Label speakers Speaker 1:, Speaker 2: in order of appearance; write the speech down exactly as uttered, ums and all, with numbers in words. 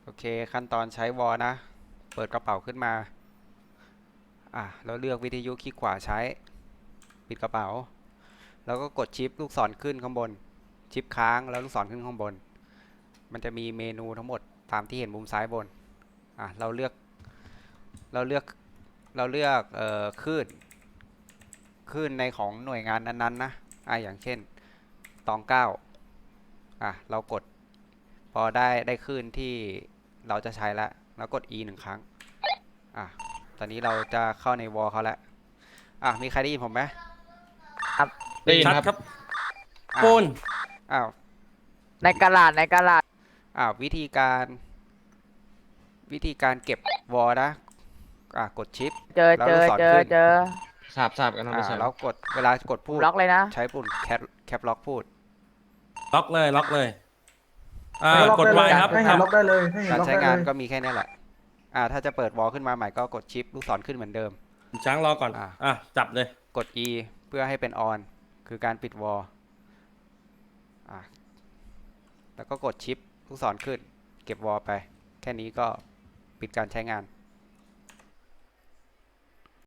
Speaker 1: เคขั้นตอนใช้วอลนะ เปิดกระเป๋าขึ้นมาอ่ะแล้วเลือกวิทยุคลิกขวาใช้ปิดกระเป๋าแล้วก็กดชิปลูกศรขึ้นข้างบนชิปค้างแล้วลูกศรขึ้นข้างบนมันจะมีเมนูทั้งหมดตามที่เห็นมุมซ้ายบนอ่ะเราเลือกเราเลือกเราเลือกเอ่อคลื่นคลื่นในของหน่วยงานนั้นๆนะอ่ะอย่างเช่นตองเก้าอ่ะเรากดพอได้ได้คลื่นที่เราจะใช้แล้วแล้วกด E หนึ่งครั้งอ่ะตอนนี้เราจะเข้าในวอลเขาแล้วอ่ะมีใครได้ยินผมไหม
Speaker 2: ครับ
Speaker 3: ได้ยินครับ
Speaker 2: ชัดครับ
Speaker 1: อ้าว
Speaker 2: ปูน
Speaker 1: อ้าว
Speaker 3: ในกระดาษในกระดาษ
Speaker 1: อ้าววิธีการวิธีการเก็บวอลนะอ่ะกดชิป
Speaker 3: เจอ
Speaker 1: แล้ว
Speaker 3: เจอเจอ
Speaker 1: ลูกศรขึ้น
Speaker 3: เจอ
Speaker 2: ทราบทราบกันนะ
Speaker 1: อ่า
Speaker 2: ไม่ใช่
Speaker 1: แล้วกดเวลากด
Speaker 3: ผม
Speaker 1: พูด
Speaker 3: ล็อกเลยนะ
Speaker 1: ใช้ปุ่มแคปแคปล็อกพูด
Speaker 2: ล็อกเลยล็อกเลยอ่า
Speaker 4: ให้ล็อก
Speaker 2: กด
Speaker 4: ได้
Speaker 2: ไว
Speaker 4: เลย
Speaker 2: ครับ
Speaker 4: ให้เห็นล็อกได้เลยให้เห็น
Speaker 1: การ
Speaker 4: ล็อก
Speaker 1: ใช้
Speaker 4: ได้
Speaker 1: งาน
Speaker 4: เลย
Speaker 1: ก็มีแค่นี้แหละอ่าถ้าจะเปิดวอลขึ้นมาใหม่ก็กดชิปลูกศรขึ้นเหมือนเดิม
Speaker 2: ช้างรอก่อน
Speaker 1: อ่า
Speaker 2: อ่ะจับเลย
Speaker 1: กด E เพื่อให้เป็น on คือการปิดวอลอ่าแล้วก็กดชิปลูกศรขึ้นเก็บวอลไปแค่นี้ก็ปิดการใช้งาน